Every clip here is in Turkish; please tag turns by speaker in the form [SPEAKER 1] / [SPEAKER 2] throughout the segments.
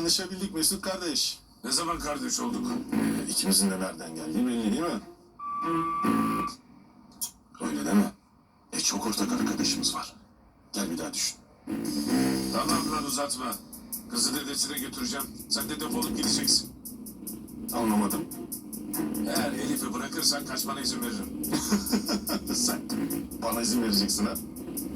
[SPEAKER 1] tanışabildik Mesut kardeş.
[SPEAKER 2] Ne zaman kardeş olduk?
[SPEAKER 1] İkimizin de nereden geldiği belli değil mi? Öyle deme. Çok ortak arkadaşımız var. Gel bir daha düşün.
[SPEAKER 2] Tamam lan uzatma. Kızı dedesine götüreceğim. Sen de defolup gideceksin.
[SPEAKER 1] Anlamadım.
[SPEAKER 2] Eğer Elif'i bırakırsan kaçmana izin veririm.
[SPEAKER 1] Sen bana izin vereceksin ha?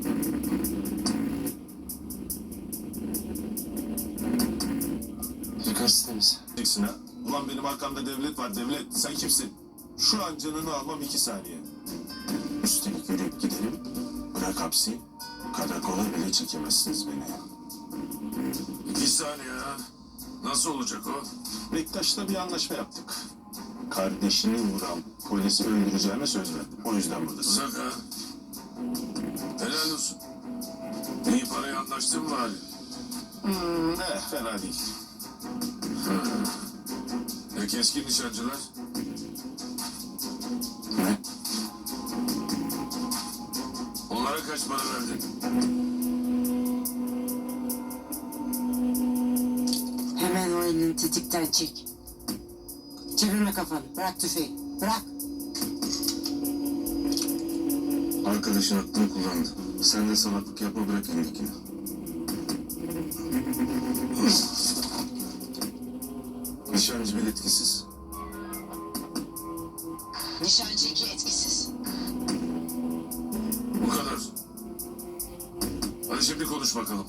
[SPEAKER 3] Yukarısı temiz.
[SPEAKER 1] Vereceksin ha? Ulan benim arkamda devlet var devlet. Sen kimsin? Şu an canını almam 2 saniye. Üstelik yürüyüp gidelim. Bırak hapsi. Karakola bile çekemezsiniz beni.
[SPEAKER 2] 2 saniye ha. Nasıl olacak o?
[SPEAKER 1] Bektaş'la bir anlaşma yaptık. Kardeşini vuran polisi öldüreceğime söz verdim. O yüzden buradasın.
[SPEAKER 2] Uzak ha. Helal olsun. İyi parayı anlaştın mı Ali?
[SPEAKER 1] Fena değil.
[SPEAKER 2] Keskin nişancılar?
[SPEAKER 1] Ne?
[SPEAKER 2] Onlara kaç para verdin?
[SPEAKER 4] Hemen o elini tetikten çek. Çevirme kafanı. Bırak tüfeği. Bırak.
[SPEAKER 3] Arkadaşın aklını kullandı. Sen de salaklık yapma, bırak elindekini. Nişancı bile etkisiz.
[SPEAKER 4] Nişancı 2 etkisiz.
[SPEAKER 2] Bu kadar. Hadi şimdi konuş bakalım.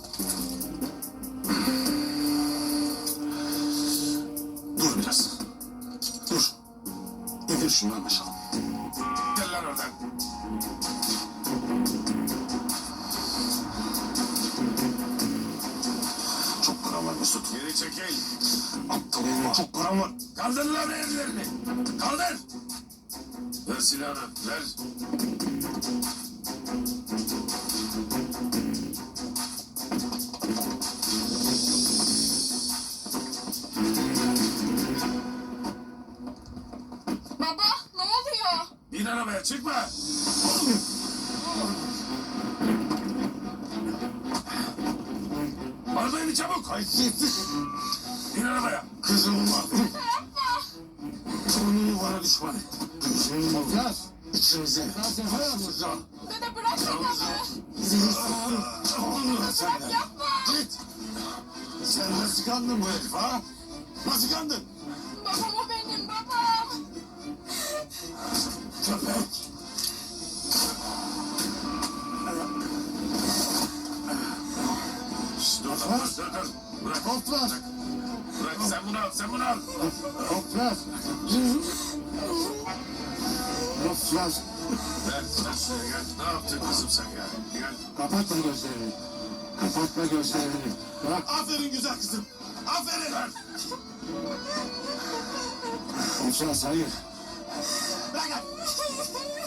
[SPEAKER 1] Dur biraz. Dur. İndir şunu anlaşalım.
[SPEAKER 2] Gel lan oradan.
[SPEAKER 1] Çok param var Mesut.
[SPEAKER 2] Geri çekil.
[SPEAKER 1] Aptal olma. Çok param var.
[SPEAKER 2] Kaldır lan ellerini. Kaldır. Ver silahını. Ver.
[SPEAKER 5] Baba ne oluyor?
[SPEAKER 2] Bin arabaya çıkma. Arabayı çabuk.
[SPEAKER 1] Haysiyetsiz.
[SPEAKER 2] Bin arabaya.
[SPEAKER 1] Kızım var. Torununu bana düşman et. Gözünü mafyaz. İçimize. Sıcak.
[SPEAKER 5] Dede bırak babamı.
[SPEAKER 1] Olmuyor senden.
[SPEAKER 5] Yapma.
[SPEAKER 1] Git. Sen nasıl kandın bu herif ha? Nasıl kandın?
[SPEAKER 5] Babam o benim babam.
[SPEAKER 1] Köpek.
[SPEAKER 2] Şşt, dur lan. Dur dur. Bırak.
[SPEAKER 1] Toplar.
[SPEAKER 2] Bırak sen bunu al. Sen bunu al.
[SPEAKER 1] Toplar. Toplar.
[SPEAKER 2] Ver. Ver şuraya gel. Ne yaptın kızım sen ya? Gel.
[SPEAKER 1] Kapatma gözlerini. Kapatma gözlerini. Bırak. Aferin güzel kızım. Aferin.
[SPEAKER 2] Ver.
[SPEAKER 1] Toplar hayır.
[SPEAKER 5] Bırak.